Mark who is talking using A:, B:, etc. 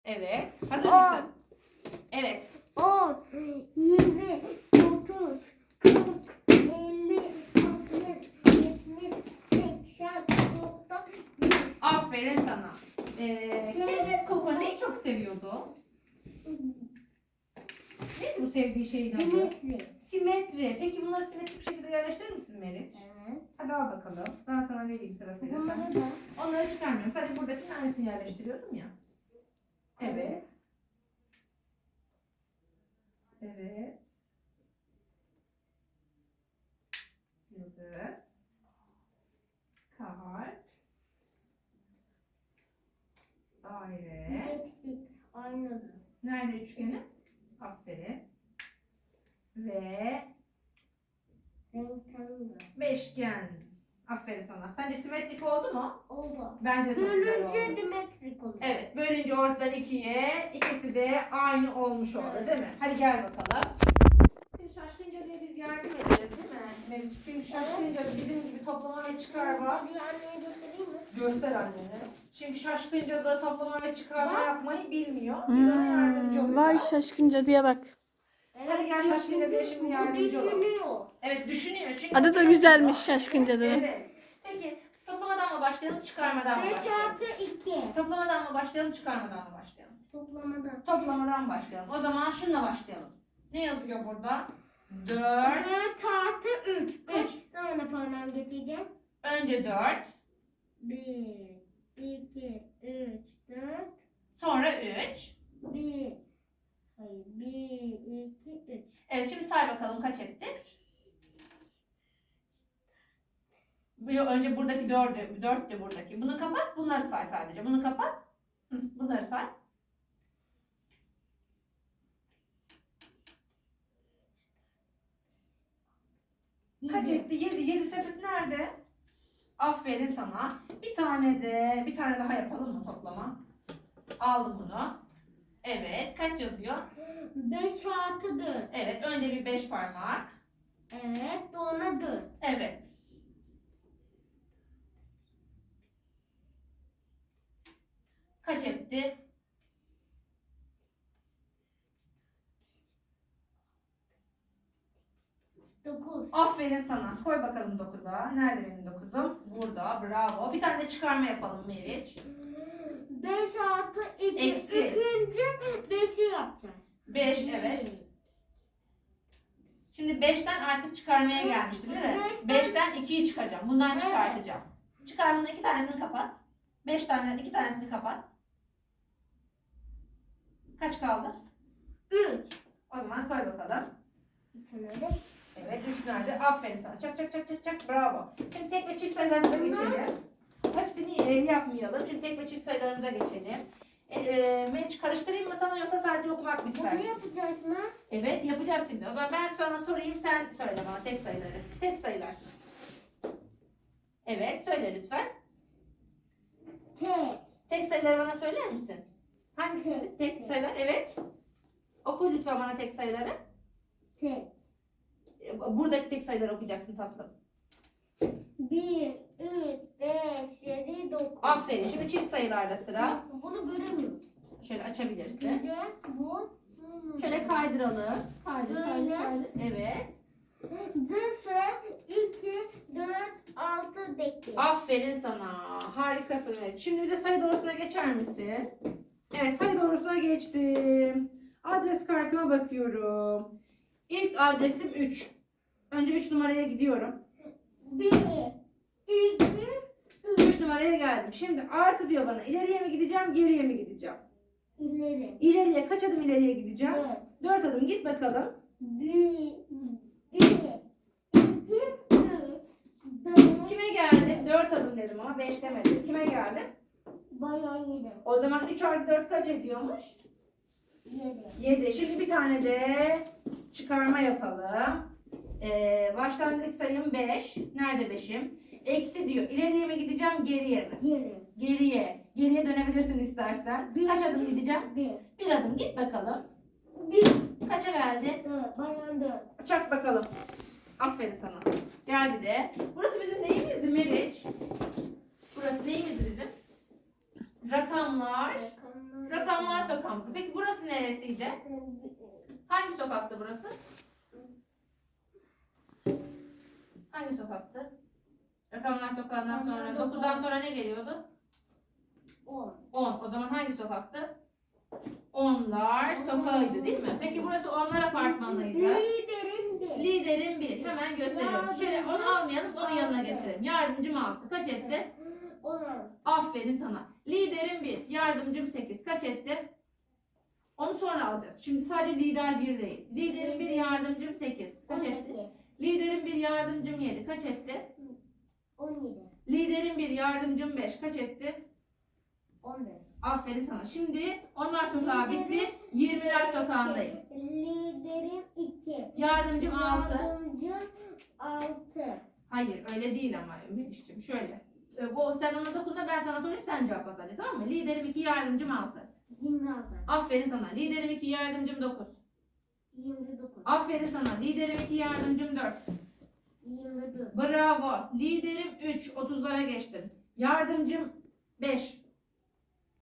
A: Evet. Hazır mısın? Evet.
B: 10, 20, 30, 40, 50, 60, 70, 80, 90, 100.
A: Aferin sana. Koko neyi çok seviyordu? Neydi bu sevdiği şeyin adı?
B: Simetri.
A: Simetri. Peki bunları simetrik bir şekilde yerleştirir misin Meriç?
B: Evet.
A: Hadi al bakalım. Ben sana vereyim sırasıyla.
B: Bunları
A: Sen.
B: da.
A: Onları çıkarmıyorum. Sadece buradaki tanesini yerleştiriyordum ya. Evet. Evet. Yıldız. Kalp. Daire.
B: Hepsi aynı.
A: Nerede üçgeni? Aferin. Ve
B: Renkli.
A: beşgen. Aferin sana. Sence simetrik oldu mu?
B: Oldu.
A: Bence de çok güzel oldu.
B: Bölünce dimetrik olur.
A: Evet. Bölünce ortadan ikiye. İkisi de aynı olmuş oldu değil mi? Hadi gel bakalım. Şimdi şaşkınca diye biz yardım edeceğiz değil mi? Meriç? Çünkü şaşkınca da bizim gibi toplama ve çıkarma.
B: Bir anneye göstereyim mi?
A: Göster annene. Çünkü şaşkınca da toplama ve çıkarma
B: Bak.
A: yapmayı bilmiyor. Biz ona yardımcı olacağız.
C: Vay şaşkınca diye bak.
A: Hadi gel şaşkınca diye şimdi yardımcı olalım.
B: Düşünüyor.
A: Evet düşünüyor. Çünkü
C: Adı da güzelmiş şaşkınca da.
A: Evet. Peki toplamadan mı başlayalım, çıkarmadan mı
B: 5
A: başlayalım?
B: artı 2.
A: Toplamadan mı başlayalım, çıkarmadan mı başlayalım?
B: Toplamadan.
A: Toplamadan başlayalım. O zaman şununla başlayalım. Ne yazıyor burada? 4.
B: 4 artı 3. Kaç
A: Üç.
B: tane parmağım getireceğim?
A: Önce 4.
B: 1, 2, 3, 4.
A: Sonra 3.
B: 1, hayır 1, 2, 3.
A: Evet şimdi say bakalım kaç ettik? Önce buradaki 4'tü buradaki. Bunu kapat, bunları say sadece. Bunu kapat. Bunları say. Kaç etti? 7. 7 sepeti nerede? Aferin sana. Bir tane daha yapalım mı toplama? Aldım bunu. Evet. Kaç yazıyor?
B: 5 artı 4.
A: Evet. Önce bir 5 parmak.
B: Evet, sonra 4.
A: Evet. Kaç etti?
B: 9.
A: Aferin sana. Koy bakalım 9'a. Nerede benim 9'um? Burada. Bravo. Bir tane de çıkarma yapalım Meriç.
B: 5 artı 2.
A: Eksi.
B: İkinci 5'i yapacağız.
A: 5 evet. Şimdi 5'ten artık çıkarmaya gelmiştim değil mi?
B: Beşten-
A: 5'ten 2'yi çıkaracağım. Bundan
B: Evet.
A: çıkartacağım. Çıkarmanın 2 tanesini kapat. 5 tane 2 tanesini kapat. Kaç kaldı?
B: 3.
A: O zaman koy bakalım.
B: Bir tane de.
A: Evet 3 nerede? Aferin sana. Çak çak çak çak çak. Bravo. Şimdi tek ve çift sayılarımıza geçelim. Hepsini yapmayalım. Şimdi tek ve çift sayılarımıza geçelim. Meriç karıştırayım mı sana yoksa sadece okumak mı
B: Bunu
A: istersin?
B: yapacağız mı?
A: Evet yapacağız şimdi. O zaman ben sana sorayım sen söyle bana tek sayıları. Tek sayılar. Evet söyle lütfen.
B: Tek.
A: Tek sayıları bana söyler misin? Hangisi? Tek sayılar. Evet. Oku lütfen bana tek sayıları.
B: Tek.
A: Buradaki tek sayıları okuyacaksın tatlım.
B: 1, 3, 5, 7, 9.
A: Aferin. Şimdi çift sayılarda sıra.
B: Bunu göremiyorum.
A: Şöyle açabilirsin.
B: Güzel. Bu.
A: Şöyle kaydıralım. Kaydır, kaydır,
B: Böyle.
A: kaydır. Evet.
B: 0, 2, 4, 6, 8.
A: Aferin sana. Harikasın. Evet. Şimdi bir de sayı doğrusuna geçer misin? Evet sayı doğrusuna geçtim. Adres kartıma bakıyorum. İlk adresim 3. Önce 3 numaraya gidiyorum.
B: 1, 2,
A: 3 numaraya geldim. Şimdi artı diyor bana. İleriye mi gideceğim, geriye mi gideceğim?
B: ileri.
A: İleriye kaç adım ileriye gideceğim?
B: 4,
A: 4 adım git bakalım.
B: 1, 2, 3, 4.
A: Kime geldim? 4 adım dedim ama 5 demedim. Kime geldim?
B: Bayağı 7.
A: O zaman 3 artı 4 kaç ediyormuş?
B: 7.
A: 7. Şimdi bir tane de çıkarma yapalım. Başlangıç sayım 5. Nerede 5'im? Eksi diyor. İleriye mi gideceğim, geriye mi?
B: Geri.
A: Geriye. Geriye dönebilirsin istersen. Kaç adım gideceğim?
B: 1.
A: Bir adım git bakalım.
B: 1.
A: Kaça geldi?
B: 4. Bayağı 4.
A: Çak bakalım. Aferin sana. Geldi de. Burası bizim neyimizdi Meriç? Burası neyimizdi bizim? Rakamlar. Rakamlar sokağımızda. Peki burası neresiydi? Hangi sokaktı burası? Hangi sokaktı? Rakamlar sokağından sonra 9'dan sonra ne geliyordu?
B: 10.
A: 10. O zaman hangi sokaktı? Onlar sokağıydı değil mi? Peki burası onlar apartmanıydı.
B: Liderim bir.
A: Liderim 1. Hemen gösteriyorum. Şöyle onu almayalım, onun yanına getirelim. Yardımcım 6. Kaç etti?
B: 10.
A: Aferin sana. Liderim 1. Yardımcım 8. Kaç etti? Onu sonra alacağız. Şimdi sadece lider 1'deyiz. Liderim 1, yardımcım 8. Kaç etti? Liderim 1, yardımcım 7. Kaç etti?
B: 17.
A: Liderim 1, yardımcım 5. Kaç etti?
B: 15.
A: Aferin sana. Şimdi onlar sokağı bitti. 20'ler sokağındayım.
B: Liderim 2.
A: Yardımcım 6.
B: Yardımcım 6.
A: Hayır öyle değil ama Melih'ciğim. Şöyle. Sen ona dokunma, ben sana sorayım, sen cevapla sadece, tamam mı? Liderim 2, yardımcım 6.
B: 26.
A: Aferin sana. Liderim 2, yardımcım 9.
B: 29.
A: Aferin sana. Liderim 2, yardımcım 4.
B: 24.
A: Bravo. Liderim 3. 30'lara geçtim. Yardımcım 5.